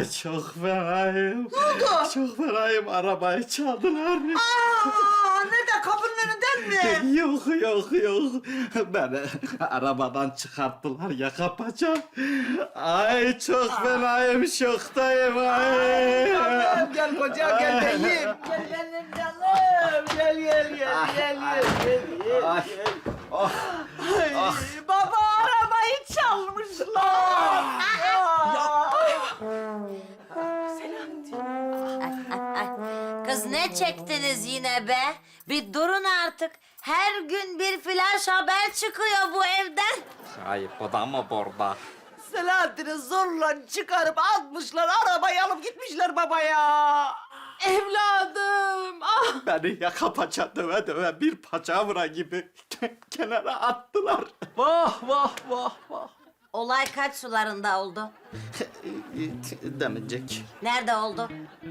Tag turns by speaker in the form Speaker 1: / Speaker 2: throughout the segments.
Speaker 1: Ay çok fenayım.
Speaker 2: Ne oldu?
Speaker 1: Çok fenayım. Arabayı çaldılar.
Speaker 2: Nerede? Kapının önünden mi?
Speaker 1: Yok. Beni arabadan çıkarttılar yaka paça. Ay çok fenayım, şoktayım. Ay.
Speaker 2: Gel kocam gel beyim. Gel benim canım. Gel.
Speaker 1: Ay. Oh.
Speaker 2: Ay, baba arabayı çalmışlar.
Speaker 3: Kız ne çektiniz yine be? Bir durun artık. Her gün bir flash haber çıkıyor bu evden.
Speaker 1: Ay bu da mı burada?
Speaker 2: Selahattin'i zorla çıkarıp atmışlar. Arabayı alıp gitmişler baba ya. Evladım. Ah.
Speaker 1: Beni yaka paça döve bir paçavra gibi kenara attılar.
Speaker 4: Vah.
Speaker 3: Olay kaç sularında oldu?
Speaker 1: Demeyecek.
Speaker 3: Nerede oldu?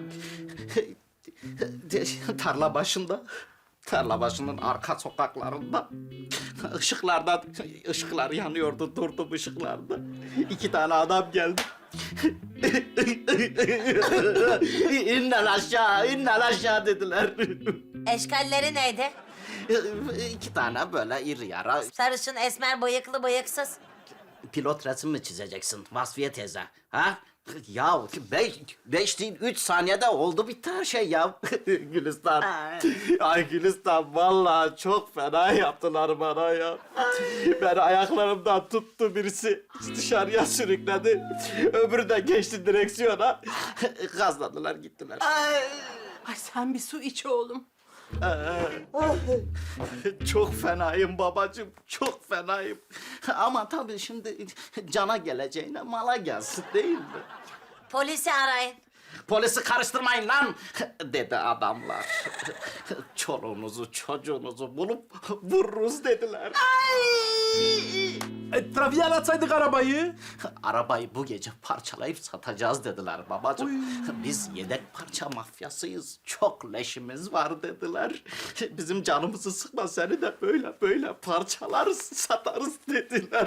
Speaker 1: Tarla başında. Tarla başının arka sokaklarında. Işıklar yanıyordu, durdum ışıklarda. 2 tane adam geldi. İnnen aşağı dediler.
Speaker 3: Eşkalleri neydi?
Speaker 1: 2 tane böyle iri yara.
Speaker 3: Sarışın, esmer, bıyıklı, bıyıksız.
Speaker 1: Pilot resim mi çizeceksin Vasfiye teyze? Ha? Ya 5 değil 3 saniyede oldu bitti her şey ya. Gülistan. Ay Gülistan vallahi çok fena yaptılar bana ya. Beni ayaklarımdan tuttu birisi. Dışarıya sürükledi. Öbürü de geçti direksiyona. Gazladılar gittiler.
Speaker 2: Ay sen bir su iç oğlum.
Speaker 1: Çok fenayım babacığım, çok fenayım. Ama tabii şimdi cana geleceğine mala gelsin değil mi?
Speaker 3: Polisi arayın.
Speaker 1: Polisi karıştırmayın lan dedi adamlar. Çoluğunuzu çocuğunuzu bulup vururuz dediler.
Speaker 4: Trafiğe atsaydık arabayı.
Speaker 1: Arabayı bu gece parçalayıp satacağız dediler babacığım. Biz yedek parça mafyasıyız. Çok leşimiz var dediler. Bizim canımızı sıkma seni de böyle parçalarız satarız dediler.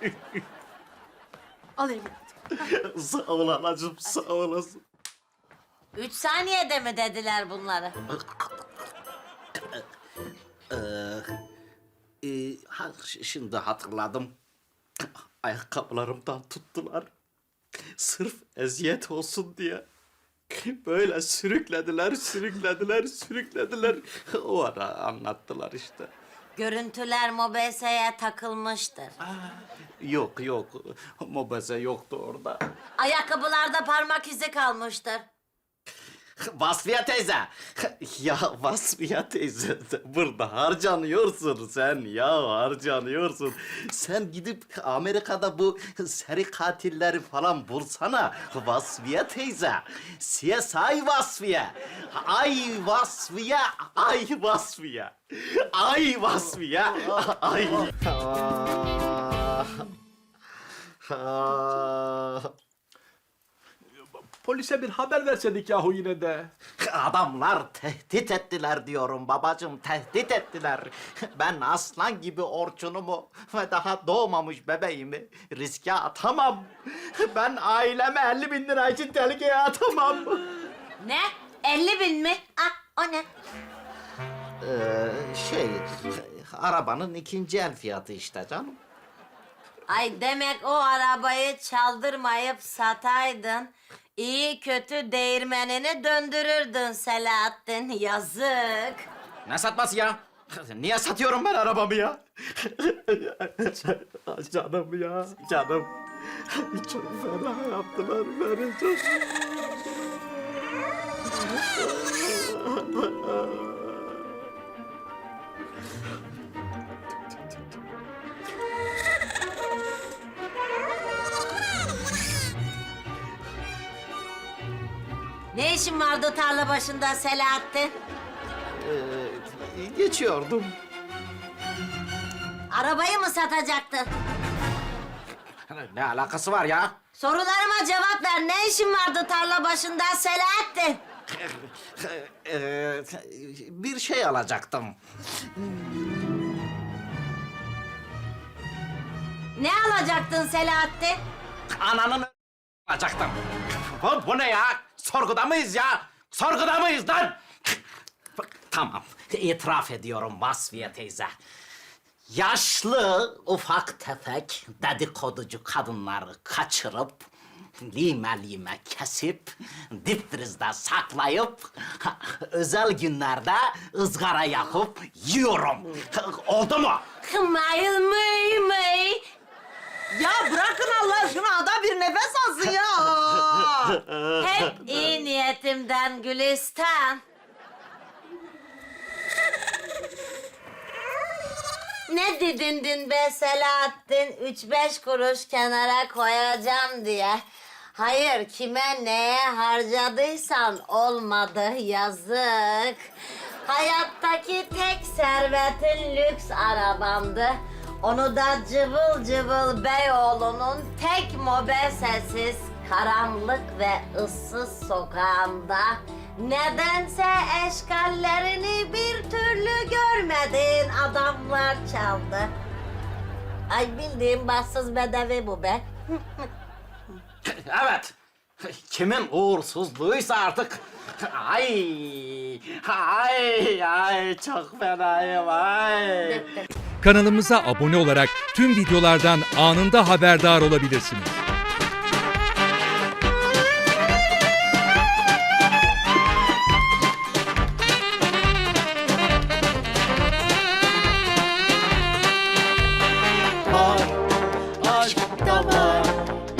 Speaker 2: Al evladım.
Speaker 1: Sağ ol anacığım sağ olasın.
Speaker 3: 3 saniyede mi dediler bunları?
Speaker 1: Şimdi hatırladım. Ayakkabılarımdan tuttular. Sırf eziyet olsun diye. Böyle sürüklediler. O ara anlattılar işte.
Speaker 3: Görüntüler MOBESE'ye takılmıştır.
Speaker 1: Yok. Mobese yoktu orada.
Speaker 3: Ayakkabılarda parmak izi kalmıştır.
Speaker 1: Vasfiye teyze. Ya Vasfiye teyze burada harcanıyorsun sen ya harcanıyorsun. Sen gidip Amerika'da bu seri katilleri falan bulsana Vasfiye teyze. CSI Vasfiye. Ay Vasfiye. Ay Vasfiye. Ay Vasfiye. Ay.
Speaker 4: Polise bir haber verseydik yahu yine de.
Speaker 1: Adamlar tehdit ettiler diyorum babacığım, tehdit ettiler. Ben aslan gibi Orçun'umu ve daha doğmamış bebeğimi riske atamam. Ben aileme 50.000 lira için tehlikeye atamam.
Speaker 3: Ne? 50.000 mi? Ah, o ne?
Speaker 1: Arabanın ikinci el fiyatı işte canım.
Speaker 3: Ay demek o arabayı çaldırmayıp sataydın. İyi kötü değirmenini döndürürdün Selahattin. Yazık.
Speaker 1: Ne satması ya? Niye satıyorum ben arabamı ya? Canım ya, canım. Çok fena yaptılar beni çok.
Speaker 3: Ne işin vardı tarla başında Selahattin?
Speaker 1: Geçiyordum.
Speaker 3: Arabayı mı satacaktın?
Speaker 1: Ne alakası var ya?
Speaker 3: Sorularıma cevap ver. Ne işin vardı tarla başında Selahattin?
Speaker 1: Bir şey alacaktım.
Speaker 3: Ne alacaktın Selahattin?
Speaker 1: Ananın alacaktım. Bu ne ya? Sorguda mıyız ya? Sorguda mıyız lan? Tamam, itiraf ediyorum Vasfiye teyze. Yaşlı, ufak tefek dedikoducu kadınları kaçırıp, lime lime kesip, dipfrizde saklayıp, özel günlerde ızgara yapıp yiyorum. Oldu mu?
Speaker 3: Mıy mıy mıy.
Speaker 2: Ya bırakın Allah aşkına, adam bir nefes alsın ya.
Speaker 3: Hep iyi niyetimden Gülistan. Ne dedin dün be Selahattin? 3-5 kuruş kenara koyacağım diye. Hayır, kime neye harcadıysan olmadı, yazık. Hayattaki tek servetin lüks arabamdı. Onu da cıvıl cıvıl Beyoğlu'nun tek mobesesiz, karanlık ve ıssız sokağında nedense eşkallerini bir türlü görmediğin adamlar çaldı. Ay bildiğin bahtsız bedevi bu be.
Speaker 1: Evet. Kimin uğursuzluğuysa artık. Ay, ay, çok fenayım, ay.
Speaker 5: Kanalımıza abone olarak tüm videolardan anında haberdar olabilirsiniz.